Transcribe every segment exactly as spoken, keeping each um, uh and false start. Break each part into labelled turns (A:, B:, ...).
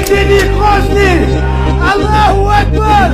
A: Seni Kozli! Allahu Ekber!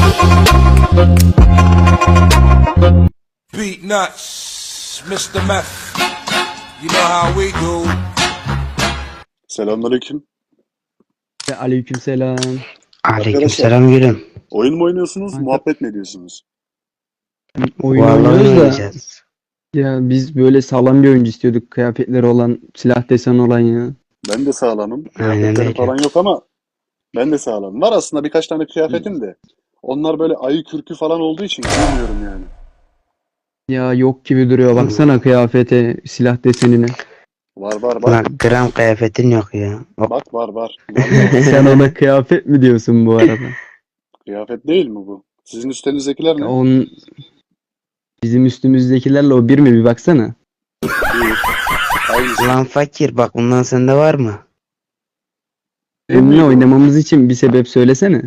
B: Beat nuts, mister Meth. You know how we do.
C: Selamünaleyküm.
D: Aleykümselam.
E: Aleykümselam gülüm.
C: Oyun mu oynuyorsunuz,
D: Kanka-
C: muhabbet mi ediyorsunuz?
D: Oyun
E: Vallahi
D: oynuyoruz da
E: oynayacağız.
D: ya biz böyle sağlam bir oyuncu istiyorduk. Kıyafetleri olan, silah deseni olan ya.
C: Ben de sağlamım.
E: Aynen
C: Kıyafetlerim
E: öyle.
C: falan yok ama ben de sağlamım. Var aslında birkaç tane kıyafetim de. Onlar böyle ayı kürkü falan olduğu için giymiyorum yani.
D: Ya yok gibi duruyor. Baksana kıyafete, silah desenine.
C: Var var
E: Ulan
C: bak.
E: gram kıyafetin yok ya. O-
C: Bak var var. Vallahi
D: Sen ona kıyafet mi diyorsun bu arada?
C: kıyafet değil mi bu? Sizin üstünüzdekiler ne?
D: Ya onun bizim üstümüzdekilerle o bir mi bir baksana.
C: Değil. Aynısı.
E: Ulan fakir bak bundan sende var mı?
D: Benimle oynamamız için bir sebep söylesene.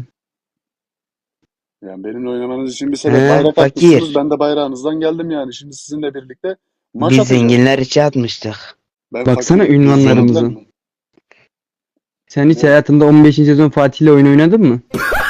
C: Yani benimle oynamanız için bir sebep
E: He,
C: bayrak
E: fakir.
C: atmışsınız. Ben de bayrağınızdan geldim yani. Şimdi sizinle birlikte maç
E: Biz
C: atacağız.
E: zenginler içe atmıştık.
C: Ben
D: Baksana
C: fakirim. Siz
D: ünvanlarımıza.
C: zenginler mi?
D: Sen hiç
C: Evet.
D: hayatında on beşinci sezon Fatih'le oyun oynadın mı?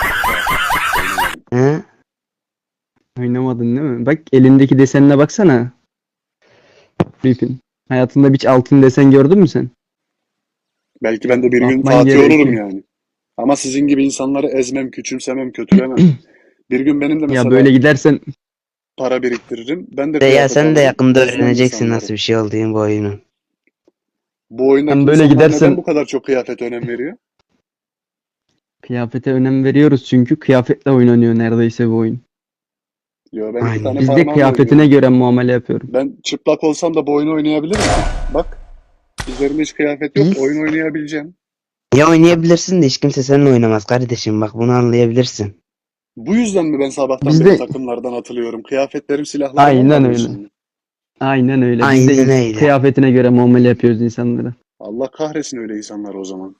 E: He?
D: Oynamadın değil mi? Bak elindeki desenine baksana. Rip'in. Hayatında hiç altın desen gördün mü sen?
C: Belki ben de bir gün
D: Bakman
C: Fatih
D: gerekiyor.
C: olurum yani. Ama sizin gibi insanları ezmem, küçümsemem, kötülemem. Bir gün benim de mesela
D: Ya böyle gidersen
C: para biriktiririm. Ben de
E: De ya
C: kıyafet
E: sen de
C: alırım.
E: yakında
C: Ezmem
E: öğreneceksin
C: insanları.
E: nasıl bir şey olduğunu bu oyunun.
C: Bu oyundaki
D: Sen böyle
C: insanlar
D: gidersen-
C: neden bu kadar çok kıyafete önem veriyor?
D: kıyafete önem veriyoruz çünkü kıyafetle oynanıyor neredeyse bu oyun.
C: Yo ben
E: Aynen.
C: iki tane
D: Biz de
C: parmağımla
D: kıyafetine
C: oynuyorum.
D: göre muamele yapıyorum.
C: Ben çıplak olsam da bu oyunu oynayabilirim. Bak. Üzerimde hiç kıyafet yok.
E: Biz-
C: Oyun oynayabileceğim.
E: Ya oynayabilirsin de hiç kimse seninle oynamaz kardeşim bak bunu anlayabilirsin.
C: Bu yüzden mi ben sabahtan
D: Biz
C: beri
D: de-
C: takımlardan atılıyorum? Kıyafetlerim, silahlarım
D: Aynen
C: olmadığı
D: öyle.
C: için mi?
D: Aynen öyle. Biz
E: Aynen
D: de
E: öyle.
D: kıyafetine göre muamele yapıyoruz insanlara.
C: Allah kahretsin öyle insanlar o zaman.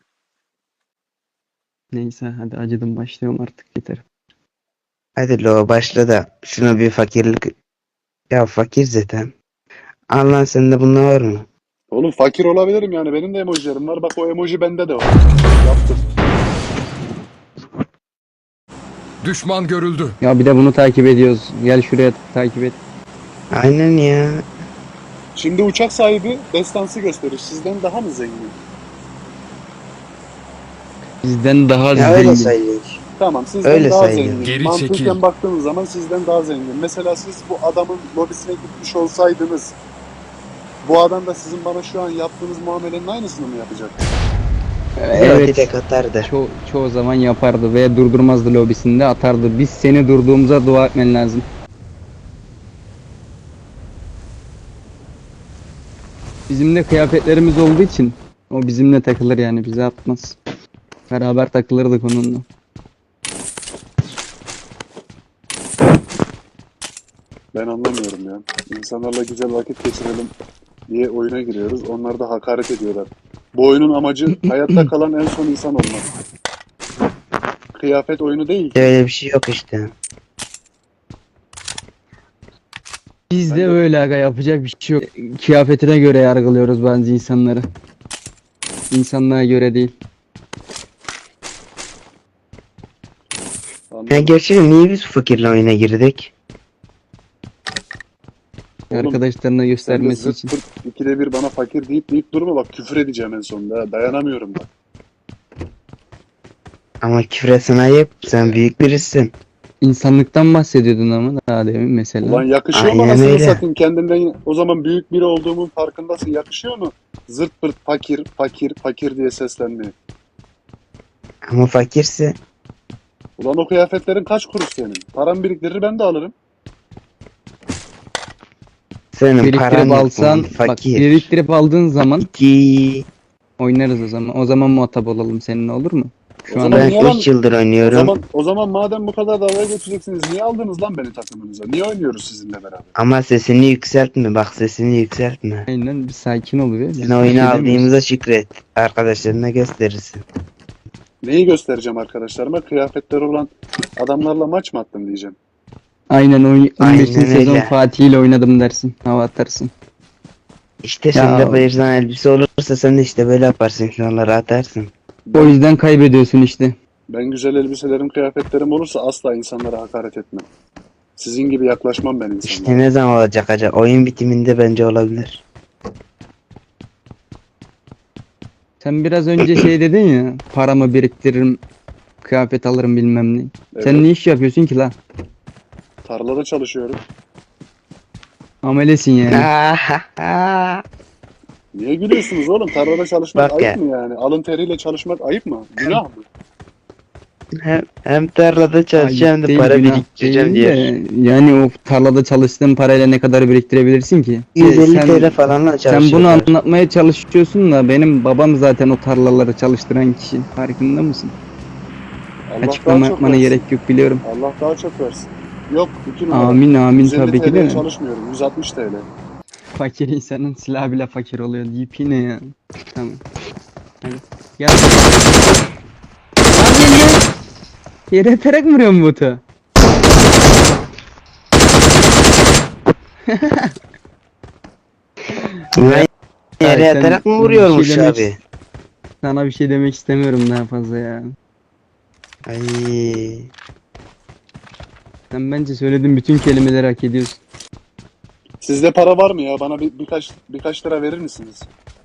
D: Neyse hadi acıdım başlıyorum artık yeter.
E: Hadi lo başla da şuna bir fakirlik. Ya fakir zaten. Allah sende bunlar var mı?
C: Oğlum fakir olabilirim yani. Benim de emojilerim var. Bak o emoji bende de var. Yaptım.
B: Düşman görüldü.
D: Ya bir de bunu takip ediyoruz. Gel şuraya takip et.
E: Aynen ya.
C: Şimdi uçak sahibi destansı gösterir. Sizden daha mı zengin?
D: Bizden daha
E: Ya öyle
D: zengin.
E: sayılıyor.
C: Tamam sizden
E: Öyle
C: daha
E: sayılıyor.
C: zengin.
B: Geri
C: Mantıken
B: çekil.
C: baktığınız zaman sizden daha zengin. Mesela siz bu adamın lobisine gitmiş olsaydınız bu adam da sizin bana şu an yaptığınız muamelenin aynısını mı yapacak?
E: Evet.
D: Evet.
E: Tek atardı.
D: Ço çoğu zaman yapardı ve durdurmazdı lobisinde atardı. Biz seni durduğumuza dua etmen lazım. Bizim de kıyafetlerimiz olduğu için o bizimle takılır yani bize atmaz. Beraber takılırdık onunla.
C: Ben anlamıyorum ya. İnsanlarla güzel vakit geçirelim diye oyuna giriyoruz. Onlar da hakaret ediyorlar. Bu oyunun amacı hayatta kalan en son insan olmak. Kıyafet oyunu değil ki.
E: Öyle bir şey yok işte.
D: Biz
C: Ben
D: de
C: de-
D: öyle aga yapacak bir şey yok. Kıyafetine göre yargılıyoruz bazı insanları. İnsanlığa göre değil.
E: Ya
C: Anladım.
E: gerçekten niye biz fakirle oyuna girdik?
C: Oğlum,
D: Arkadaşlarına
C: Sen de
D: göstermesi
C: zırt
D: için.
C: pırt ikide bir bana fakir deyip deyip durma bak küfür edeceğim en sonunda. ha. Dayanamıyorum bak.
E: Ama küfretsin ayıp. Sen büyük birisin.
D: İnsanlıktan bahsediyordun ama daha demin mesela.
C: Ulan yakışıyor mu
E: Aynen
C: anasını
E: öyle.
C: satayım kendinden o zaman büyük biri olduğumun farkındasın. Yakışıyor mu? Zırt pırt fakir fakir fakir diye seslenmeye.
E: Ama fakirse.
C: Ulan o kıyafetlerin kaç kuruş senin? Param biriktirir ben de alırım.
E: Senin paran
D: Biriktirip
E: yok
D: alsan,
E: ulan,
D: bak
E: fakir.
D: biriktirip aldığın zaman
E: İki.
D: oynarız o zaman. O zaman muhatap olalım seninle olur mu? Şu
C: O
D: an
C: zaman
E: Ben
C: niye lan-
E: üç yıldır
C: O
E: oynuyorum.
C: zaman o zaman madem bu kadar dalga geçeceksiniz niye aldınız lan beni takımınıza? Niye oynuyoruz sizinle beraber?
E: Ama sesini yükseltme. Bak sesini yükseltme.
D: aynen bir sakin ol be. Biz
E: Sen
D: bir şey
E: oyunu
D: demiyoruz.
E: aldığımıza şükret. Arkadaşlarına gösterirsin.
C: Neyi göstereceğim arkadaşlarıma? Kıyafetleri olan adamlarla maç mı attım diyeceğim.
D: Aynen oy- on beşinci
E: Aynen
D: sezon
E: öyle.
D: Fatih ile oynadım dersin. Hava atarsın.
E: İşte sen
D: Ya-
E: de bayırdan elbise olursa sen de işte böyle yaparsın. Onları atarsın.
D: O yüzden kaybediyorsun işte.
C: Ben güzel elbiselerim, kıyafetlerim olursa asla insanlara hakaret etmem. Sizin gibi yaklaşmam ben insanlara.
E: İşte ne zaman olacak acaba? Oyun bitiminde bence olabilir.
D: Sen biraz önce şey dedin ya, paramı biriktiririm, kıyafet alırım bilmem ne.
C: Evet.
D: Sen ne iş yapıyorsun ki la?
C: Tarlada çalışıyorum.
D: Amelesin yani.
C: Niye gülüyorsunuz oğlum? Tarlada çalışmak
E: Bak
C: ayıp
E: ya.
C: mı yani? Alın teriyle çalışmak ayıp mı? Günah mı?
E: hem, hem tarlada çalışacağım hem de
D: Ayıp
E: para
D: değil, günah
E: biriktireceğim
D: değil
E: diyor.
D: de, yani o tarlada çalıştığın parayla ne kadar biriktirebilirsin ki?
E: yüz elli
D: Sen-
E: T L falanla
D: Sen
E: çalışıyor.
D: bunu anlatmaya çalışıyorsun da benim babam zaten o tarlaları çalıştıran kişi. Farkında mısın?
C: Allah
D: Açıklama
C: daha çok
D: yapmana
C: versin.
D: gerek yok, biliyorum.
C: Allah daha çok versin. Yok iki numara.
D: Amin amin
C: yüz elli
D: tabii ki
C: T L'ye
D: de.
C: çalışmıyorum. yüz altmış T L.
D: Fakir insanın silahı bile fakir oluyor deyip yine ya. Tamam. Hadi. Gel. Lan gel gel. Yere atarak mı vuruyorsun botu?
E: Ben yere
D: sen
E: yatarak mı
D: bir
E: vuruyormuş
D: şey demek-
E: abi?
D: Sana bir şey demek istemiyorum daha fazla ya.
E: Ay.
D: Sen bence söylediğin bütün kelimeleri hak ediyorsun.
C: Sizde para var mı ya? Bana bir, birkaç birkaç lira verir misiniz?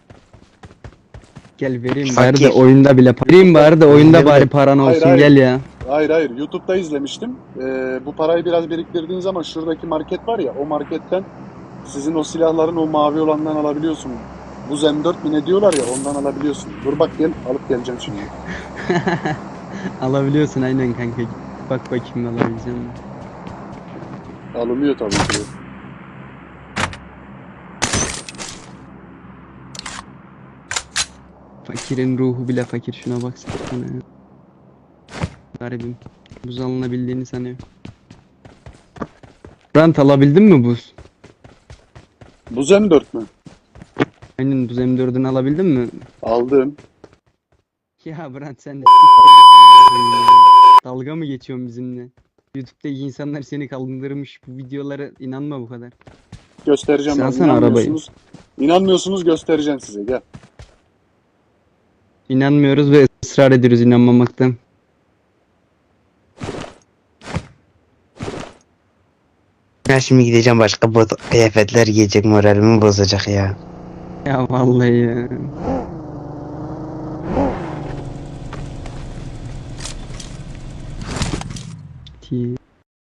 D: Gel vereyim
E: Fakir.
D: bari de oyunda bile para. Vereyim bari de oyunda
E: Oyunda
D: bari
E: bile-
D: paran
C: Hayır,
D: olsun,
C: hayır.
D: gel ya.
C: Hayır hayır. YouTube'da izlemiştim. Ee, bu parayı biraz biriktirdiğin zaman şuradaki market var ya, o marketten sizin o silahların o mavi olandan alabiliyorsun. Bu M dört mi ne diyorlar ya, ondan alabiliyorsun. Dur bak gel, alıp geleceğim şimdi.
D: Alabiliyorsun aynen kanka. Git bak bakayım alabileceğim mi?
C: Alınıyor tabii ki.
D: Fakirin ruhu bile fakir, şuna baksana ya. Garibim. Buz alınabildiğini sanıyor. Rant alabildin mi buz?
C: Bu M dört mü?
D: Aynen, buz M dördünü alabildin mi?
C: Aldım.
D: Ya Brant sen de s**t ya. Dalga mı geçiyorsun bizimle? YouTube'daki insanlar seni kaldırmış, bu videolara inanma bu kadar.
C: Göstereceğim
D: Sen
C: bak.
D: alsana arabayı.
C: İnanmıyorsunuz. İnanmıyorsunuz, göstereceğim size. Gel.
D: İnanmıyoruz ve ısrar ediyoruz inanmamaktan.
E: Ben şimdi gideceğim başka bot kıyafetler giyecek, moralimi bozacak ya.
D: Ya vallahi ya. Ti-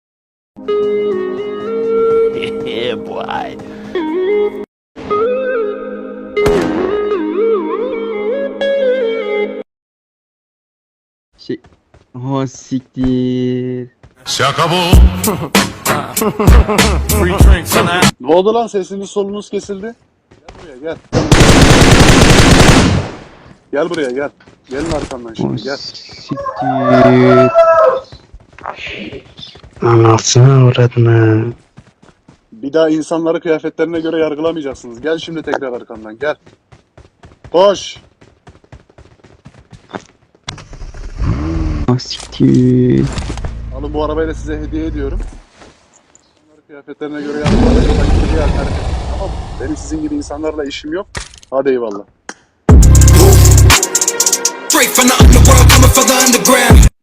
D: Şey... Oh siktir.
B: Şaka bu. Free drinks on that.
C: Ne oldu lan, sesiniz solunuz kesildi? Gel buraya gel. Gel buraya gel. Gelin arkamdan
D: Oh
C: şimdi gel.
D: siktir.
E: Anasını uğradın.
C: Bir daha insanları kıyafetlerine göre yargılamayacaksınız. Gel şimdi tekrar arkamdan gel. Koş.
D: Oh siktir.
C: Alın, bu arabayı da size hediye ediyorum. İnsanları kıyafetlerine göre yargılamayacak. Tamam mı? Benim sizin gibi insanlarla işim yok. Hadi eyvallah.
F: Straight from the underworld, coming for the underground.